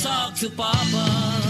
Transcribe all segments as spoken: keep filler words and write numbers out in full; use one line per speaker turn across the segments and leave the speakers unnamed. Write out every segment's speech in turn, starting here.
talk to Papa.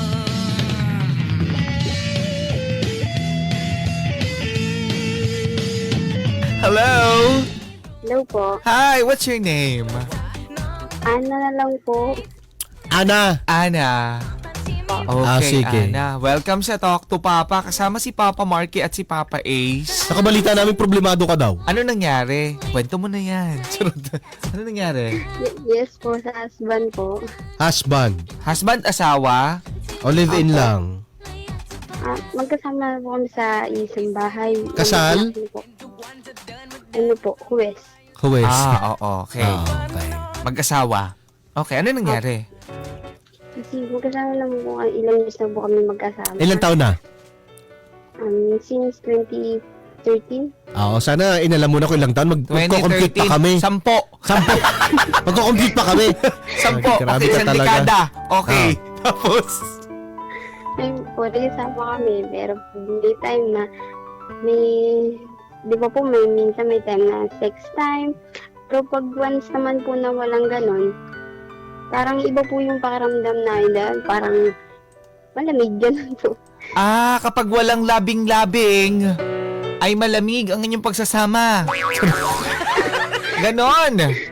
Hello?
Hello po.
Hi, what's your name?
Ana na lang po.
Ana.
Ana.
Ah,
Okay,
sige.
Ana. Welcome sa Talk to Papa. Kasama si Papa Marky at si Papa Ace.
Nakabalita namin problemado ka daw.
Ano nangyari? Kwento mo na yan. Charot. Ano nangyari?
Y- yes po, sa husband po.
Husband.
Husband, asawa?
O live-in lang.
Ah, magkasama po kami sa isang bahay.
Kasal?
Ano po? Ano po, Huwes.
Huwes.
Ah, oo, okay.
Ah, okay.
Mag-asawa. Okay, ano nangyari?
Kasi magkasama naman po, kami, ilang years na po kami magkasama.
Ilang taon na?
Um, since twenty thirteen.
Oo, sana inalam mo na kung ilang taon. Mag magko-compute pa kami.
Sampo.
Sampo. Magko-compute pa kami.
Sampo.
Ay, grabe
Okay,
ka
isang
talaga.
dekada. Okay. Tapos?
Ayun po, nagkasama kami. Pero may time na may, di ba po, may minsan may time na sex time. Pero pag once naman po na walang ganon, parang iba po yung pakiramdam na dahil parang malamig ganun po.
Ah, kapag walang labing-labing, ay malamig ang inyong pagsasama. Ganon.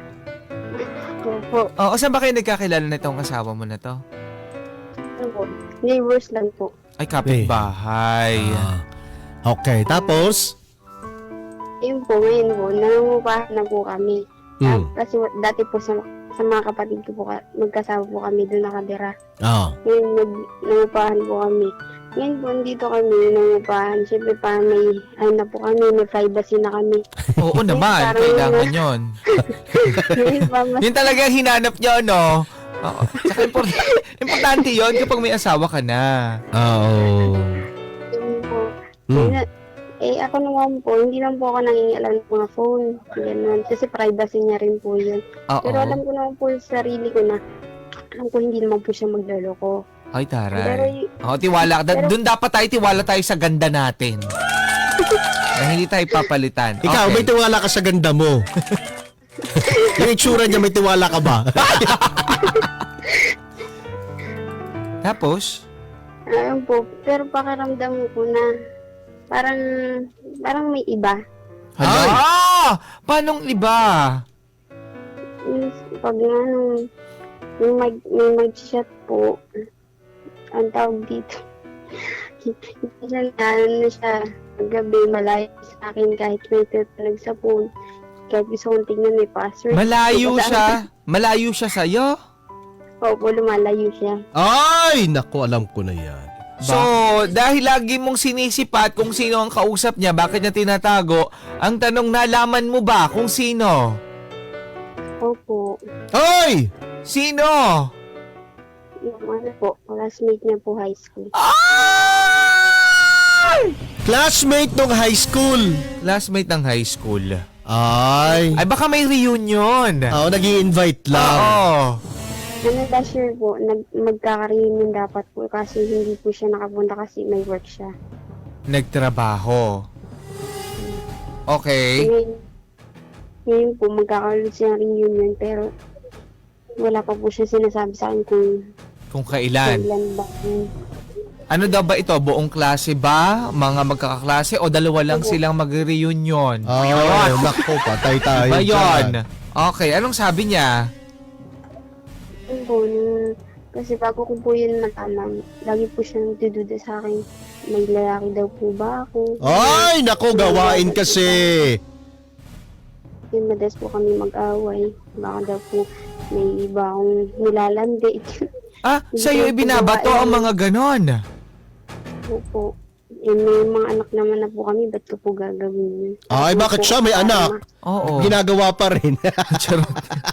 Opo,
Oo, saan ba kayo nagkakilala na itong asawa mo na to?
ano po, neighbors lang po.
Ay, kapitbahay.
Ah, okay, tapos?
Ayun po, ngayon po, nangungupahan na po kami. Ah,
Hmm.
kasi wa- dati po sa, sa mga kapatid ko po, ka- magkasama po kami doon nakadira.
Oo.
Ngayon, nag, nangungupahan po kami. Ngayon po, dito kami nangungupahan. Siyempre pa may, ano na po kami, may privacy na kami.
Oo naman,
Parang-
kailangan yon.
Ngayon pa, mas,
Yun talaga ang hinanap nyo, no? Oo. Tsaka import- importante yon kapag may asawa ka na.
Oo.
yun po.
Hmm.
Ngayon, eh, ako naman po, hindi lang po ako nangingialam ng mga phone. Ganun. Kasi privacy niya rin po yun.
Oo.
Pero alam ko naman po sa sarili ko na, alam ko hindi naman po siya magloloko.
Ay,
Pero,
taray.
y-
Oo, tiwala. Da-
Pero-
Doon dapat tayo, tiwala tayo sa ganda natin. Na hindi tayo papalitan.
Ikaw,
Okay.
may tiwala ka sa ganda mo. Yung itsura niya, may tiwala ka ba?
Tapos?
ayun po, pero pakiramdam ko na, parang, parang may iba.
Hala?
Ay!
Ah! Paanong iba?
Yung, pag nga nung, yung mag, may mag-chat po, ang tawag dito, minsan na, ano na siya, gabi, malayo sa akin kahit may tutulog sa phone. Kahit gusto kong tignan may password.
Malayo
Basta-
siya? Malayo siya sa'yo?
Opo, lumalayo siya.
Ay, naku, alam ko na yan.
So, dahil lagi mong sinisipat kung sino ang kausap niya, bakit niya tinatago, ang tanong, nalaman mo ba kung sino?
Opo.
Ay!
Sino?
Yung ano po, classmate niya po high school.
Ay!
Classmate nung high school.
Classmate ng high school.
Ay.
Ay, baka may reunion.
Oo, nag-i-invite lang.
Oo.
Ano last year po, nag, magkaka-reunion dapat po kasi hindi po siya nakapunta kasi may work siya.
Nagtrabaho. Okay.
Ngayon, ngayon po, magkakaroon siya ng reunion pero wala pa po siya sinasabi sa akin kung
Kung kailan.
kailan ba.
Ano daw ba ito? Buong klase ba? Mga magkakaklase? O dalawa lang silang mag-reunion?
Ay, naku, patay tayo.
Ba yun?
dyan.
Okay, anong sabi niya?
Yun po, nung, kasi bago ko po yun matanang, lagi po siya nagdududa sa akin. May lalaki daw po ba ako?
Ay, naku, gawain kasi.
Yung madalas po kami mag-away. Baka daw po may iba akong nilalandi.
Ah, sa'yo ibinabato ang mga ganon.
Opo. Eh, may mga anak naman na po kami, ba't ko po gagawin yun?
Ay, bakit siya? May anak.
Oo.
Ginagawa pa rin.
Charot.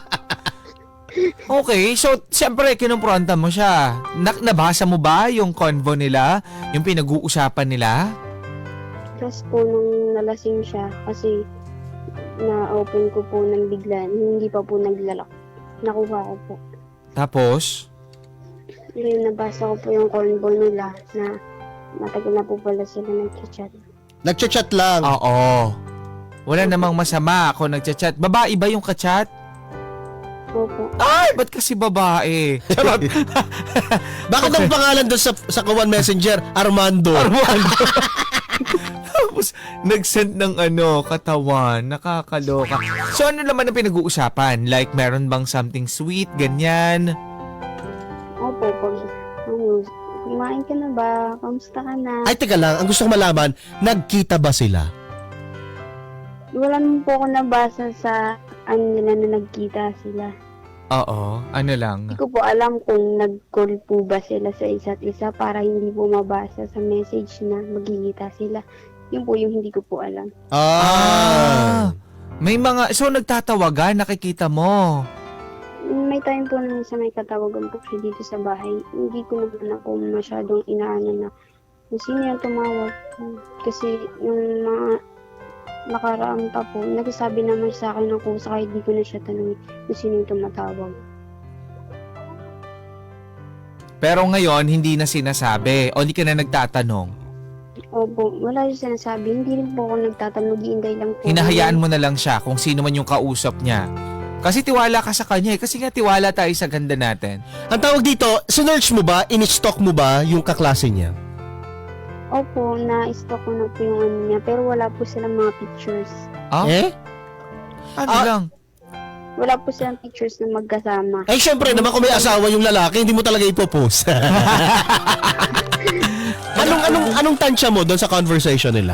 Okay, so siyempre kinumpronta mo siya. Nak nabasa mo ba yung convo nila? Yung pinag-uusapan nila?
Plus po nung nalasing siya, kasi na-open ko po ng bigla, hindi pa po naglalak. Nakuha ko po.
Tapos?
Ngayon nabasa ko po yung convo nila na matagal na po pala sila nag-chat.
Nagchat-chat lang.
Oo. Wala namang masama kung nagchat-chat. Babae ba yung kachat?
Opo.
Ay, ba't kasi babae? Charot.
Bakit ang pangalan doon sa, sa Kawan Messenger? Armando.
Armando. Tapos, nag-send ng ano, katawan. Nakakaloka. So, ano naman ang pinag-uusapan? Like, meron bang something sweet, ganyan?
Opo, pag, ano, kumain ka na ba? Kamusta ka na?
Ay, teka lang. Ang gusto ko malaman, nagkita ba sila?
Wala naman po ako nabasa sa ano nila na nagkita sila.
Oo, ano lang.
Hindi ko po alam kung nag-call po ba sila sa isa't isa para hindi po mabasa sa message na magkikita sila. Yun po yung hindi ko po alam.
Ah.
May mga, so nagtatawagan, nakikita mo.
May time po na sa may katawagan po siya dito sa bahay. Hindi ko naman ako masyadong inaano na kung sino yung tumawag. Kasi yung mga nakaraang pa po, nagsasabi naman sa akin ng kusa kahit di ko na siya tanongin kung sino yung tumatawag.
Pero ngayon, hindi na sinasabi. O hindi ka na nagtatanong.
Opo, wala yung sinasabi. Hindi rin po ako nagtatanong, giinday lang po.
Hinahayaan mo na lang siya kung sino man yung kausap niya. Kasi tiwala ka sa kanya eh. Kasi nga tiwala tayo sa ganda natin.
Ang tawag dito, sinearch mo ba, in-stalk mo ba yung kaklase niya?
Opo, na-stalk ko na po yung ano niya, pero wala po silang mga pictures.
Ah?
Eh?
Ano
Ah.
lang?
Wala po silang pictures na magkasama.
Eh, syempre naman kung may asawa yung lalaki, hindi mo talaga ipopost. anong, anong, anong tansya mo doon sa conversation nila?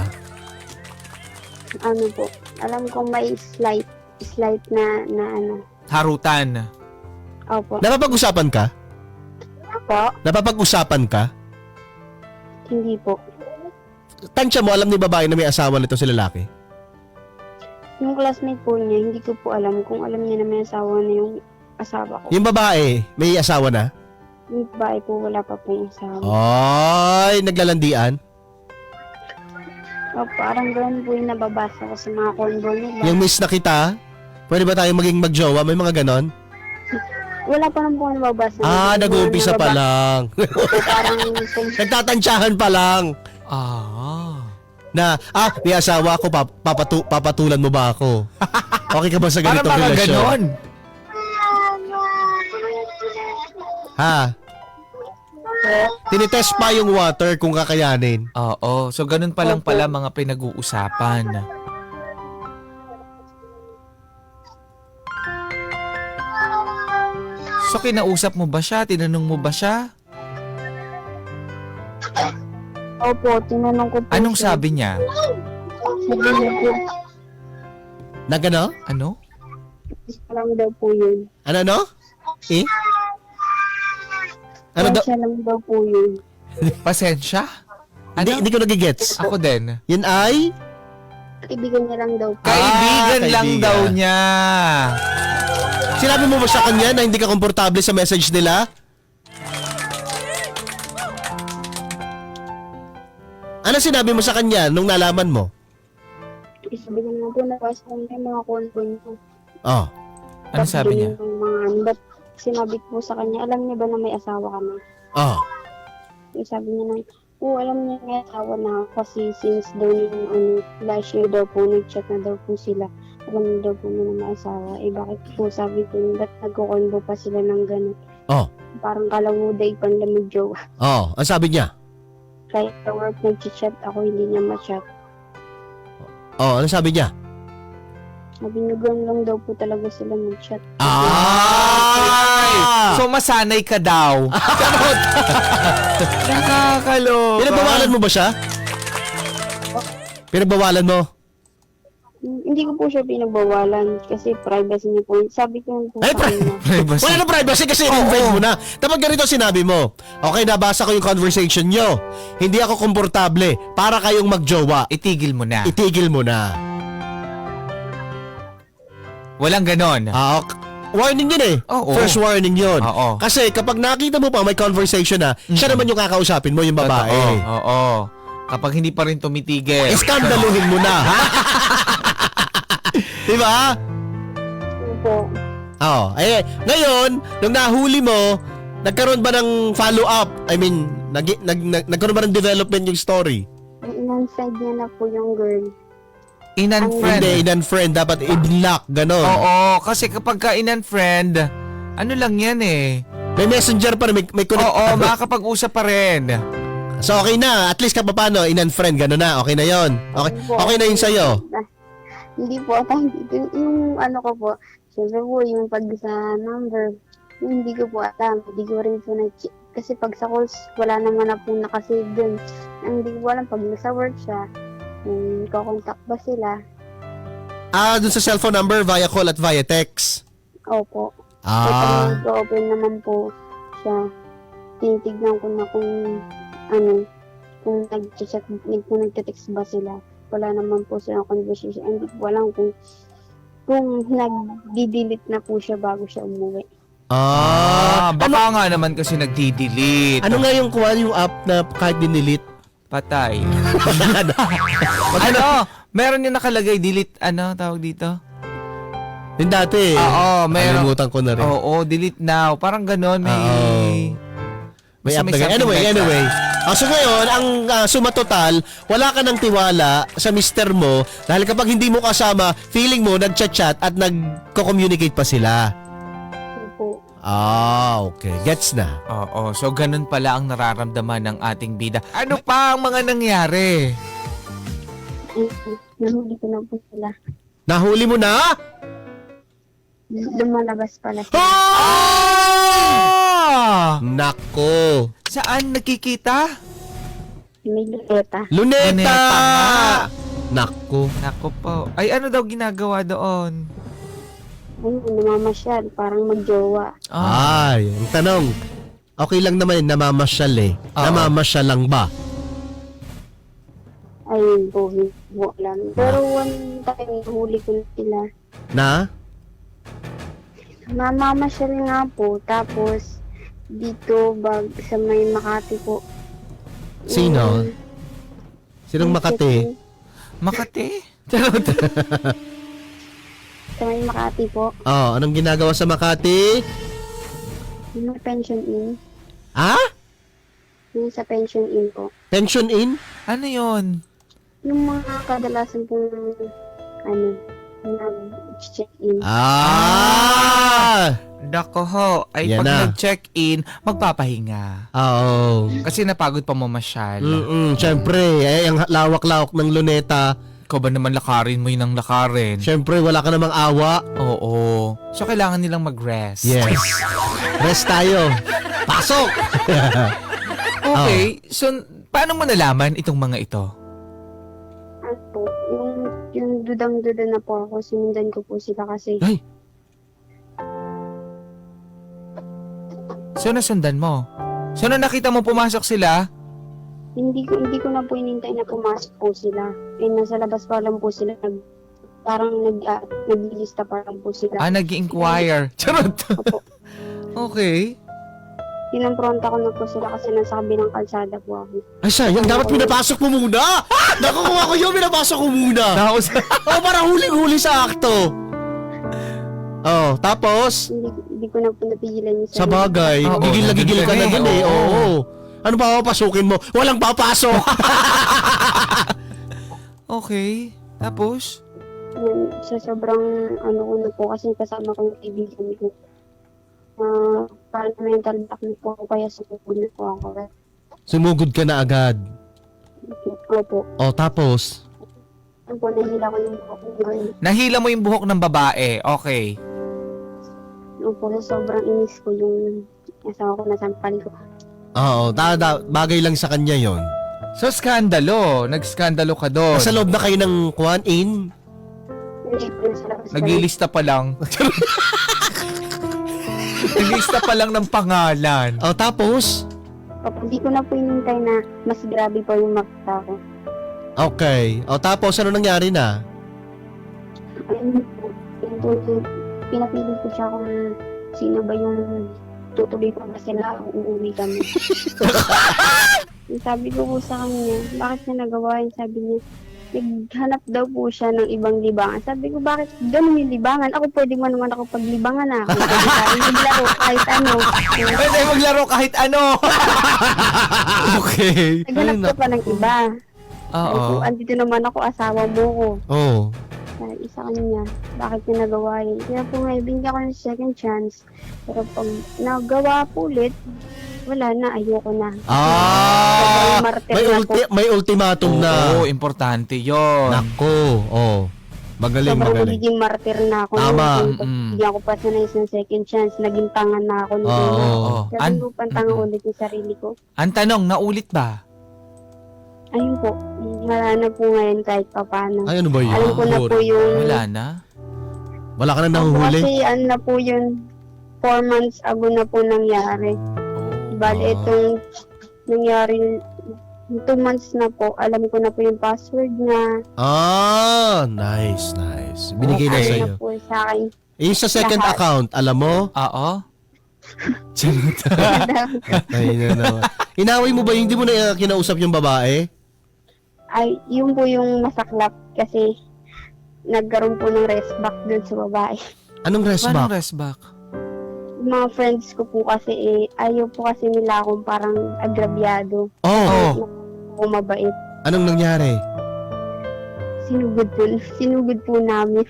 Ano po, alam ko may slight, slight na, na ano.
Harutan.
Opo.
Napapag-usapan ka?
Po,
Napapag-usapan ka?
hindi po.
Tansya mo, alam ni babae na may asawa nito si lalaki?
Yung classmate po niya, hindi ko po alam kung alam niya na may asawa na yung asawa ko.
Yung babae, may asawa na?
Yung babae po, wala pa pong asawa.
Ay, naglalandian?
O, parang gano'n po yung nababasa ko sa mga convo nila.
Yung miss na kita? Pwede ba tayo maging magjowa? May mga ganon?
Wala pa naman po ako nababasa.
Ah,
Yung mga
nag-uumpisa pa
nababa-
lang.
Opo, parang
Nagtatansyahan pa lang.
Ah.
Na, ah, may asawa ako, pap- papatu- papatulan mo ba ako? Okay ka ba sa
Para
ganitong
mga
relasyon?
ganon.
Ha? Tinitest pa yung water kung kakayanin.
Oo. So, ganun pa lang pala mga pinag-uusapan. So, kinausap mo ba siya? Tinanong mo ba siya?
Opo, tinanong ko po
Anong
siya.
sabi niya?
Sabi niya po,
Nagano?
Ano?
isa lang daw po yun.
Ano, no? Eh? Ano daw?
Siya lang daw po yun.
Pasensya?
Hindi,
Ano?
hindi ko nagigets.
Ako din.
Yan ay?
Kaibigan niya lang daw po.
Kaibigan
Ah,
lang
kaibigan.
daw niya.
Sinabi mo ba sa kanya na hindi ka komportable sa message nila? Ano sinabi mo sa kanya nung nalaman mo?
Sabi niya nga po, nabasa ko na yung mga convo niya.
Oh.
Ano
Tapos
sabi niya?
ganun yung mga, ano, ba't sinabi ko sa kanya, alam niya ba na may asawa ka na?
Oh.
Yung sabi niya na, oo, alam niya may asawa na ako kasi since daw yung ano, last year daw po, nag-chat na daw po sila. Alam niya daw po na may asawa. Eh bakit po sabi ko, ba't nagkukonvo pa sila ng gano'n?
Oh.
Parang kalawuday panlamig jowa.
Oh. Ang sabi niya?
Kahit sa work nag-chat ako, hindi niya ma-chat.
Oh. Ano sabi niya?
Sabi niya, gano'n lang daw po talaga sila mag-chat.
Ay! So, masanay ka daw. Charot! Nakakaloka.
Pinagbawalan mo ba siya? Pinagbawalan mo?
Hmm, Hindi ko po siya pinagbawalan kasi privacy niya po. Sabi ko po
Ay,
sa
pri-
kanya.
Privacy.
Wala na privacy kasi in-invade mo na. Tapos ganito sinabi mo. Okay, nabasa ko yung conversation nyo. Hindi ako komportable para kayong magjowa.
Itigil mo na.
Itigil mo na.
Walang ganon.
Ah, ok. Warning yun eh.
Oo.
First warning yun.
Oo.
Kasi kapag nakita mo pa may conversation na, siya naman yung kakausapin mo, yung babae.
Totoo. Oo. Kapag hindi pa rin tumitigil.
Iskandaluhin mo na, ha? Diba?
Opo.
Oo. Eh, ngayon, nung nahuli mo, nagkaroon ba ng follow-up? I mean, nag, nag, nag, nagkaroon ba ng development yung story?
Inanside niya na po yung girl.
In-unfriend.
Hindi, in-unfriend. Dapat i-block. Ganon.
Oo, kasi kapag ka in-unfriend, ano lang yan eh.
May messenger pa rin. May, may connect.
Oo, makakapag-usap pa rin.
So, okay na. At least kapapano, in-unfriend. Ganon na. Okay na yon. Okay, okay na yun sa'yo.
Hindi po, thank you. Yung ano ko po, syempre po, yung pag sa number, yung hindi ko po alam. Hindi ko rin po na-check. Kasi pag sa calls, wala naman na po nakasave dun. Ang hindi ko alam, pag nasa work siya, yung kakontak ba sila?
Ah, dun sa cellphone number, via call at via text.
Opo.
Ah.
Kapag nag-open naman po siya, tinitignan ko na kung ano, kung nag-chat, kung nag-text ba sila. Wala naman po silang conversation. Hindi ko alam kung kung nag-delete na po siya bago siya umuwi.
Ah,
Ah.
baka
Ano,
nga naman kasi nagdi-delete.
ano nga yung kuha yung app na kahit dinilit?
Patay. Ano? Meron yung nakalagay, delete, ano tawag dito?
Yung dati.
Oo, meron.
Kalimutan ko na rin.
Oo, delete now. Parang ganon, may...
Oo. May
Basta
app
may
na ganyan.
something
Anyway,
like
anyway. Ah, so ngayon, ang uh, suma total, wala ka ng tiwala sa mister mo dahil kapag hindi mo kasama, feeling mo nagchat-chat at nagko-communicate pa sila.
Opo.
Ah, okay. Gets na.
Oo, so ganun pala ang nararamdaman ng ating bida. Ano pa ang mga nangyari?
Ay, nahuli ko na po sila.
Nahuli mo na?
Lumalabas pala sila.
Ah!
Nako.
Saan nakikita?
May luleta.
Luneta!
Luneta nga.
Nako.
Nako po. Ay, ano daw ginagawa doon?
Ayun, namamasyal. Parang magjowa.
Ah,
Ay, ang tanong. Okay lang naman yun, namamasyal eh.
Oo.
Namamasyal lang ba?
Ayun po, hindi ko alam. Pero one time, nahuli ko na sila.
Na?
Mamamasyal nga po. Tapos, dito, bag, sa may Makati po.
Sino?
Yung-
Sinong
yung
Makati?
check-in
Makati? Charot.
Sa may Makati po.
Oh, anong ginagawa sa Makati?
Yung may pension in.
Ah?
Yung sa pension in po.
Pension in?
Ano yon?
Yung mga kadalasan pong, ano, nag-check-in.
Ah!
Nako ho. Ay,
Yan
pag
na.
nag-check-in, magpapahinga.
Oo.
Kasi napagod pa mamasyal.
Mm-mm, syempre, eh, ang lawak-lawak ng luneta.
Ikaw ba naman lakarin mo yun ng lakarin?
Syempre, wala ka namang awa.
Oo. So, kailangan nilang mag-rest.
Yes. Rest tayo. Pasok!
Okay. So, paano mo nalaman itong mga ito?
Ano po, yung, yung dudang-duda na po ako, sinundan ko po sila kasi.
Ay!
So, nasundan mo? So, nung nakita mo pumasok sila,
Hindi ko hindi ko na po inintay na pumasok po sila. Eh, nasa labas pa lang po sila. Nag, parang nag, uh, naglilista pa lang po sila.
ah, nag-inquire. Charot.
Opo.
Okay.
Kinompronta ko na po sila kasi nasa kabilang kalsada po ako.
Ay, sayang. Dapat pinapasok mo muna. Nakukuha ko yun. Pinapasok ko muna.
Tapos,
Oh, parang huling-huli sa akto. Oh, tapos,
Hindi, hindi ko na po napigilan yung
sa
sarili.
bagay,
Oo,
gigil na gigil ka na
nandun
dun
ka
eh.
eh,
Oo.
oo.
Ano pa papasukin mo? Walang papasok.
okay. Tapos,
Yan, sa sobrang ano ko na po kasi kasama ko yung kaibigan ko. Uh, parang mental block na po ako kaya sumugod na po ako.
Sumugod ka na agad.
Opo.
Oh, tapos,
Ano po, nahila ko yung buhok ko.
nahila mo yung buhok ng babae. Okay.
Opo, sa sobrang inis ko yung asawa ko nasampal ko.
oo, da, da, bagay lang sa kanya yon.
So, skandalo. Nagskandalo ka doon.
Nasa loob na kayo ng kuhan in.
Hindi po nasa labas.
Naglilista pa lang. Naglilista pa lang ng pangalan.
Oh, tapos,
Opo, hindi ko na po inintay na mas grabe pa yung makita ko.
okay. Oh, tapos, ano nangyari na?
Ayun po, yun po, yung pinapili ko siya kung sino ba yung tutuloy ko ba sila o uuwi kami. Yung sabi ko po sa kanya, bakit niya nagawa yun? Sabi niya, naghanap daw po siya ng ibang libangan. Sabi ko, bakit ganun yung libangan? Ako pwede mo naman ako paglibangan na. Kung pwede tayo maglaro kahit ano.
Pwede maglaro kahit ano. okay.
Naghanap
Ay,
ka pa ng iba. Sabi ko,
Oo.
andito naman ako, asawa mo ko.
Oh.
Sabi sa kanya, bakit niya nagawa yun? Kaya po ngayon, binigyan ko ng second chance. Pero pag nagawa po ulit, wala na, ayoko na.
Ah!
Martir
May,
na po.
ulti- may ultimatum na.
Oo, importante yon.
Nako. Oh. Magaling,
Sobrang
magaling.
magiging martir na ako.
Tama.
Nung
Mm.
bigyan ko pa sa na isang second chance, naging tanga na ako.
Oo.
nung
Oo.
Sabi
An-
ko, pantanga
Mm-mm.
ulit yung sarili ko.
Ang tanong, naulit ba?
Ayun po, wala na po ngayon kahit pa paano.
Ay, ano ba yun?
Alam ko na po yung...
Wala na?
Wala ka na
Ako
nahuhuli?
kasi ano na po yun, four months ago na po nangyari.
Oh.
Bali,
Ah.
itong nangyari, two months na po, alam ko na po yung password niya.
Ah, nice, nice. Binigay na
Okay.
sa'yo.
Ano na po sa akin.
Yung sa second
Lahat.
account, alam mo?
Oo? Charot.
Ay, na naman. Inaway mo ba yung hindi mo na uh, kinausap yung babae?
Ay, yun po yung masaklap kasi nagkaroon po ng rest back dun sa babae.
Anong rest
Paano
back?
rest back?
Yung mga friends ko po kasi eh, ayaw po kasi nila akong parang agrabyado.
Oh,
Oh.
Ako mabait.
anong nangyari?
Sinugod po, sinugod po namin.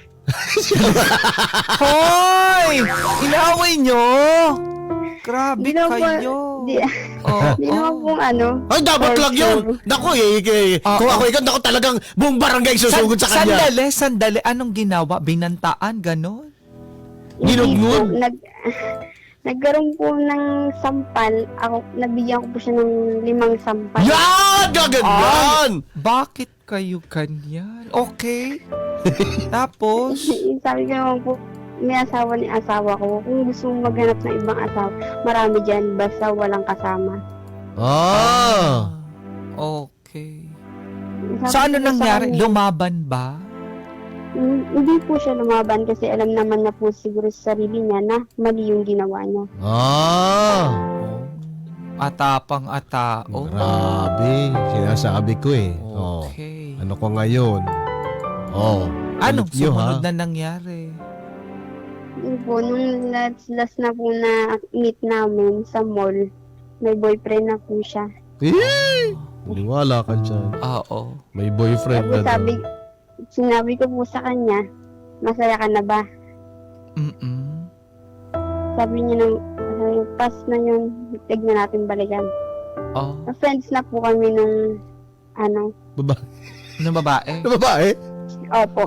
Hoy! Inaway nyo! Grabe
Di naman po-
kayo.
Di,
Oo.
di naman pong ano.
Ay, dapat
For
lang yun!
sure.
Naku, eh, eh,
Oo.
kung ako ikaw, naku talagang buong barangay susugod sa kanya.
Sandali, sandali. Anong ginawa? Binantaan, ganon?
Hindi
Ginugmod?
po, Nag, nagkaroon po ng sampal. Ako, nabigyan ko po siya ng limang sampal.
Yan! Gaganyan!
Bakit kayo ganyan? Okay. Tapos,
Sabi ko naman po, may asawa ni asawa ko. Kung gusto mong maghanap ng ibang asawa, marami dyan, basta walang kasama.
Ah!
okay.
Sabi
So, ano
ko sa
nangyari?
kanya,
Lumaban ba?
"Hmm, hindi po siya lumaban kasi alam naman na po siguro sa sarili niya na mali yung ginawa niya.
Ah!
Atapang atao.
Grabe, sinasabi ko eh. Oh.
Okay.
Ano ko ngayon? Oh.
Anong
Kulit nyo,
sumunod
ha?
na nangyari?
Yun po, nung last, last na po na meet namin sa mall, may boyfriend na po siya.
Eh! Maniwala ka dyan.
Oo.
May boyfriend
Sabi,
na
sabi,
daw.
sinabi ko po sa kanya, masaya ka na ba?
Mm-mm.
Sabi niya nang, "Ay, pass na yun, tignan natin balikan."
Oh.
Friends na po kami nung, ano,
Baba
Ano babae?
na babae?
opo.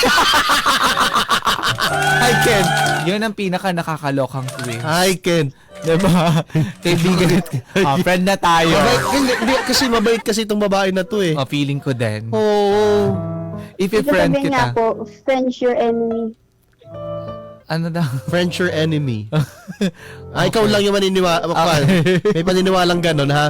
Hi, Ken. Yun ang pinaka nakakalokang quiz.
Hi, Ken.
Diba? Kaibigan at ah, friend na tayo.
Mabait, hindi, hindi, kasi mabait kasi itong babae na to eh.
Oh, feeling ko din.
Oo.
If
Ito
i-friend
sabi
kita,
nga po, friends your enemy.
ano daw?
Friends your enemy. Ah, ikaw
Okay.
lang yung maniniwala.
Okay.
May paniniwalang ganon, ha?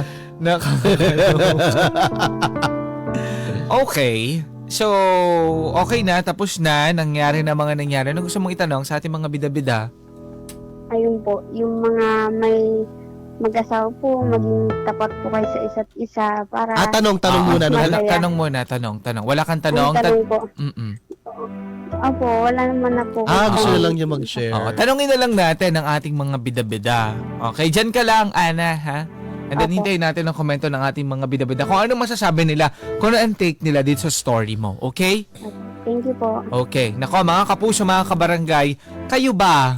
Okay. So, okay na. Tapos na. Nangyari na mga nangyari. Ano gusto mong itanong sa ating mga bida-bida?
Ayun po, yung mga may mag-asawa po, maging tapat po kayo sa isa't isa para...
Ah, tanong, tanong
Ah,
muna. Ano,
Masaya.
Tanong, tanong muna. Tanong, tanong. Wala kang
Ang
tanong?
tanong
Tan-
po,
Mm-mm.
opo, wala naman na po.
ah, gusto
Tanong.
nyo lang niya mag-share.
Oo, tanongin na lang natin ang ating mga bida-bida. Okay, dyan ka lang, Ana, ha? And then
Apo.
hintayin natin ang komento ng ating mga bida-bida. Kung ano masasabi nila, kung ano ang take nila dito sa story mo. Okay?
Thank you po.
Okay. Nako, mga kapuso, mga kabarangay, kayo ba?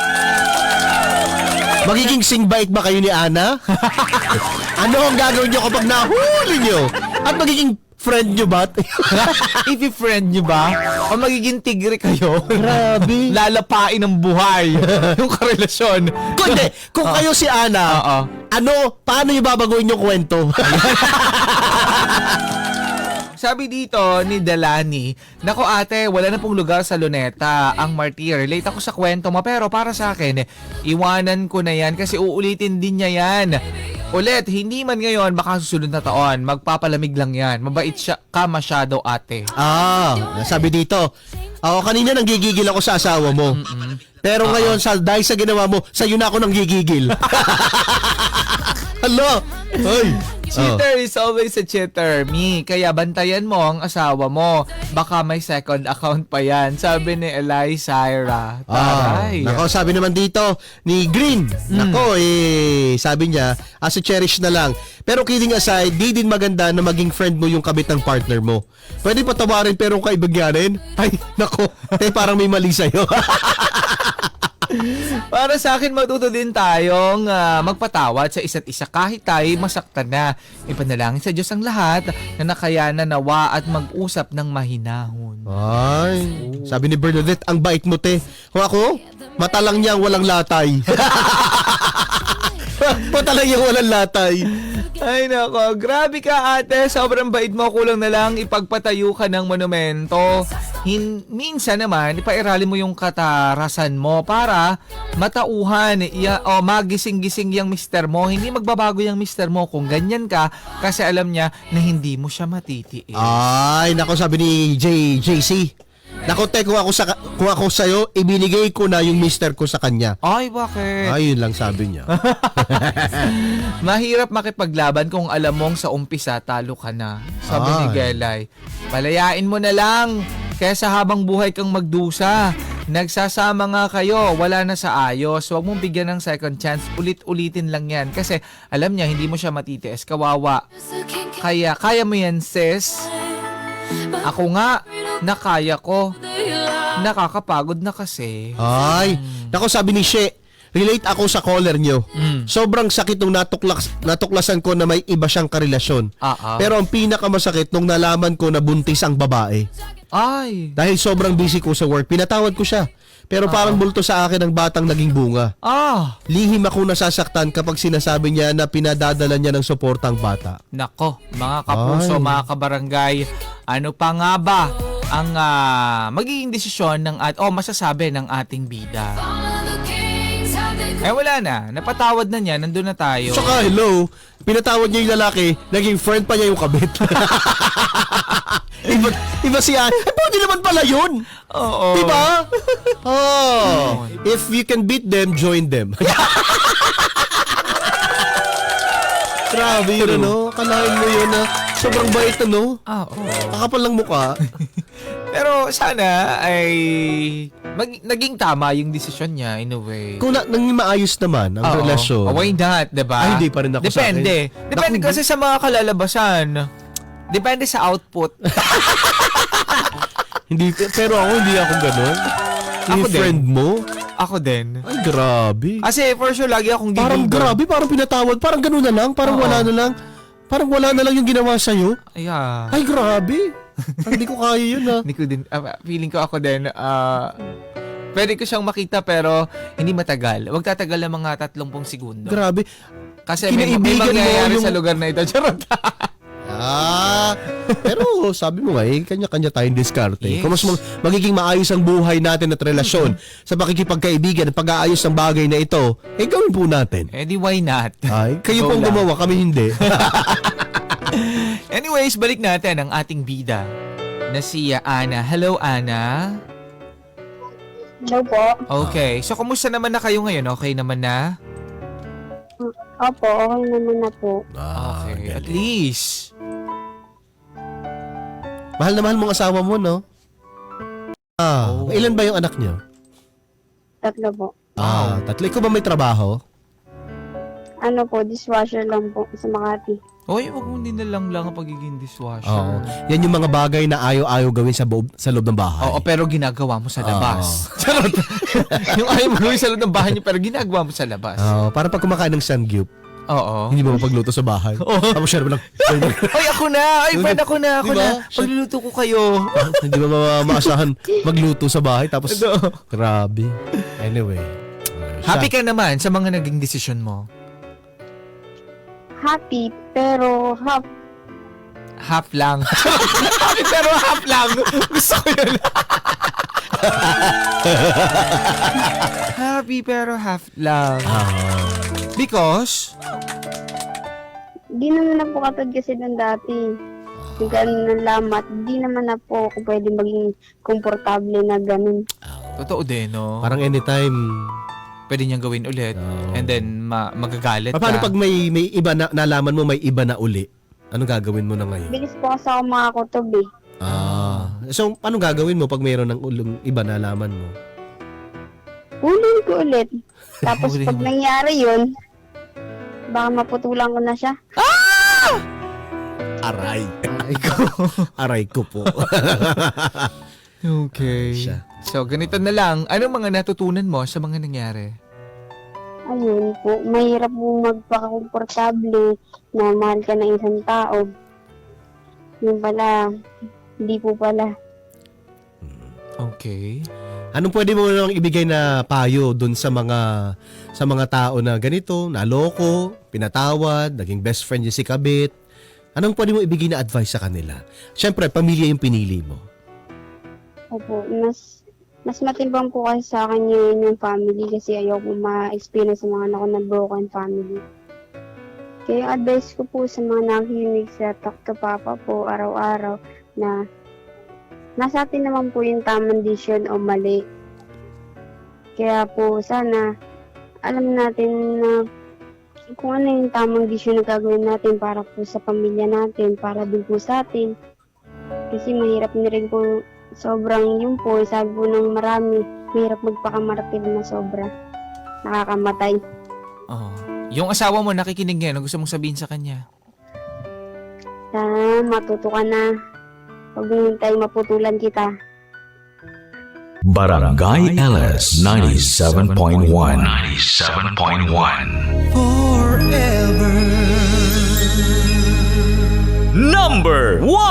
Magiging singbait ba kayo ni Ana? Ano ang gagawin nyo kapag nahuli nyo? At magiging friend nyo ba?
If i-friend nyo ba? O magiging tigre kayo?
Grabe.
Lalapain ng buhay yung karelasyon.
Kung hindi, kung kayo si Ana,
Oo.
ano, paano nyo babaguhin yung kwento?
Sabi dito ni Delani, "Nako ate, wala na pong lugar sa Luneta ang martir. Relate ako sa kwento mo pero para sa akin, iwanan ko na yan kasi uulitin din niya yan. Ulit, hindi man ngayon, baka susunod na taon. Magpapalamig lang yan. Mabait siya ka masyado ate."
Ah, sabi dito, ako kanina nanggigigil ako sa asawa mo. Pero ngayon, sa, dahil sa ginawa mo, sa'yo na ako nanggigigil. Hello? Hoy,
cheater is always a cheater, me. Kaya bantayan mo ang asawa mo. Baka may second account pa yan. Sabi ni Eli Syra.
Ah,
Taray.
nako, sabi naman dito ni Green. Nako, eh, sabi niya, as a cherish na lang. Pero kidding aside, di din maganda na maging friend mo yung kabit ng partner mo. Pwede patawarin pero kung kaibagyanin, ay, nako, eh, parang may mali sa'yo.
Para sa akin, matuto din tayong ah, magpatawad sa isa't isa kahit tayo masaktan na. Ipanalangin sa Diyos ang lahat na nakayanan nawa at mag-usap ng mahinahon.
Ay, sabi ni Bernadette, ang bait mo, te. Kung ako, mata lang niyang walang latay. Mata lang niyang walang latay.
Ay nako, grabe ka ate, sobrang bait mo, kulang na lang ipagpatayo ka ng monumento. Hin minsan naman, ipairali mo yung katarasan mo para matauhan, iya, o magising-gising yung mister mo. Hindi magbabago yung mister mo kung ganyan ka kasi alam niya na hindi mo siya matitiis.
Ay, nako, sabi ni J JC. Nako, te, kung ako, sa, kung ako sa'yo, ibinigay ko na yung mister ko sa kanya.
Ay, bakit?
Ay, yun lang sabi niya.
Mahirap makipaglaban kung alam mong sa umpisa talo ka na. Sabi ni
Ay.
Gelay. Palayain mo na lang. Kesa habang buhay kang magdusa. Nagsasama nga kayo, wala na sa ayos. Huwag mong bigyan ng second chance. Ulit-ulitin lang yan. Kasi alam niya, hindi mo siya matitiis. Kawawa. Kaya, kaya mo yan, sis. Ako nga, nakaya ko. Nakakapagod na kasi.
Ay, nako, sabi ni She, relate ako sa caller nyo.
Mm.
Sobrang sakit nung natuklas, natuklasan ko na may iba siyang karelasyon.
Ah, ah.
Pero ang pinakamasakit nung nalaman ko na buntis ang babae.
Ay.
Dahil sobrang busy ko sa work, pinatawad ko siya. Pero parang bulto sa akin ang batang naging bunga.
Ah.
Lihim ako nasasaktan kapag sinasabi niya na pinadadala niya ng suportang bata.
Nako, mga kapuso,
Ay.
mga kabarangay, ano pa nga ba ang ah, magiging desisyon ng at oh masasabi ng ating bida? Eh wala na, napatawad na niya, nandun na tayo.
Tsaka hello, pinatawad niya yung lalaki, naging friend pa niya yung kabit. iba, iba siya, eh pwede naman pala yun.
Oo.
Diba? Oh, if you can beat them, join them. Grabe yun, ano? Kalahin mo yun, na sobrang bait, ano?
Ah, oo.
Kakapal lang mukha.
Pero sana ay mag- naging tama yung desisyon niya in a way.
Kung na, nang maayos naman ang
Oo.
relasyon.
Oh, why not, diba?
Ay, hindi pa rin ako sa akin.
Depende. Depende
Naku,
kasi sa mga kalalabasan. Depende sa output.
Hindi, pero ako, hindi ako ganun.
Ako
Yung
din.
friend mo?
Ako din.
Ay, grabe.
Kasi for sure, lagi akong gigil
Parang
doon.
grabe, parang pinatawad. Parang ganun na lang. Parang
Oo.
wala na lang. Parang wala na lang yung ginawa sa'yo.
Yeah.
Ay, grabe. Parang hindi ko kaya yun, ha.
Hindi ko din, ah, feeling ko ako din, ah, pwede ko siyang makita pero hindi matagal. Huwag tatagal ng mga tatlumpung segundo.
Grabe.
Kasi may, may
Kinaibigan mo
mangyayari
yung-
sa lugar na ito. Charot.
Ah, pero sabi mo nga, eh, kanya-kanya tayong diskarte.
Yes.
Kung mas mag- magiging maayos ang buhay natin at relasyon sa pakikipagkaibigan at pag-aayos ng bagay na ito, eh gawin po natin.
Eh di why not?
Ay, kayo
Go
pong
lang.
gumawa, kami hindi.
Anyways, balik natin ang ating bida na si Ana. Hello, Ana.
Hello po.
Okay. So, kumusta naman na kayo ngayon? Okay naman na?
Opo, okay naman na po.
Okay. At least.
Mahal na mahal mong asawa mo, no? Ah,
Oh.
ilan ba yung anak niyo?
Tatlo po.
Ah, tatlo. Ikaw ba may trabaho?
Ano po, dishwasher lang po sa Makati.
Oy, wag mo din na lang lang ang pagiging dishwasher.
Oo. Yan yung mga bagay na ayaw-ayaw gawin sa, boob, sa loob ng bahay.
Oo, pero ginagawa mo sa labas. Charot. Yung ayaw mo gawin sa loob ng bahay niyo, pero ginagawa mo sa labas.
Oo, para pag kumakain ng sangyup,
Oo.
hindi mo mapagluto sa bahay. Tapos siya naman lang,
Oy, ako na! Ay, friend, ako na! Ako
Diba?
na! Pagluluto ko kayo.
hindi mo ma- maasahan magluto sa bahay. Tapos,
Ano?
grabe. Anyway.
Happy ka naman sa mga naging desisyon mo?
Happy, pero half.
Half lang. Happy pero half lang. Gusto ko yun. Happy pero half lang.
Ah,
Because?
Di naman na po katod kasi ng dati. Yung ganun ng lamat, di naman na po ako pwede maging komportable na ganun.
Totoo din, no?
parang anytime
pwede niyang gawin ulit.
Oh.
And then, ma- magagalit
Paano
ka.
pag may may iba na nalaman mo may iba na uli? Anong gagawin mo na ngayon?
Bilis po kasi ako makakutob eh.
Ah. So, paano gagawin mo pag mayroon ng ulong iba na nalaman mo?
Hulin ko ulit. Tapos
Hulin
pag
mo.
nangyari yun, baka maputulan ko na siya.
Aray.
Ay, ko.
Aray ko po.
Okay.
Siya.
So, ganito na lang. Anong mga natutunan mo sa mga nangyari?
Ayun po, mahirap po magpakakomportable na mahal ka ng isang tao. Yung pala, hindi po pala.
Okay.
Anong pwede mo nang ibigay na payo dun sa mga sa mga tao na ganito, naloko, pinatawad, naging best friend niya si kabit? Anong pwede mo ibigay na advice sa kanila? Siyempre, pamilya yung pinili mo.
Opo, mas mas matimbang po kasi sa akin yun yung family kasi ayaw ko ma-experience sa mga anak ko na broken family. Kaya yung advice ko po sa mga nakikinig sa Talk to Papa po araw-araw na nasa atin naman po yung tamang decision o mali. Kaya po sana alam natin na kung ano yung tamang decision na gagawin natin para po sa pamilya natin, para din po sa atin. Kasi mahirap na rin po sobrang yun po, sabi po ng marami, mahirap magpakamartir na sobra. Nakakamatay.
Oh. Yung asawa mo nakikinig ngayon, ano gusto mong sabihin sa kanya?
Sana matuto ka na. Huwag mong hintay maputulan kita.
Barangay L S ninety-seven point one. ninety-seven point one. Forever. Number one.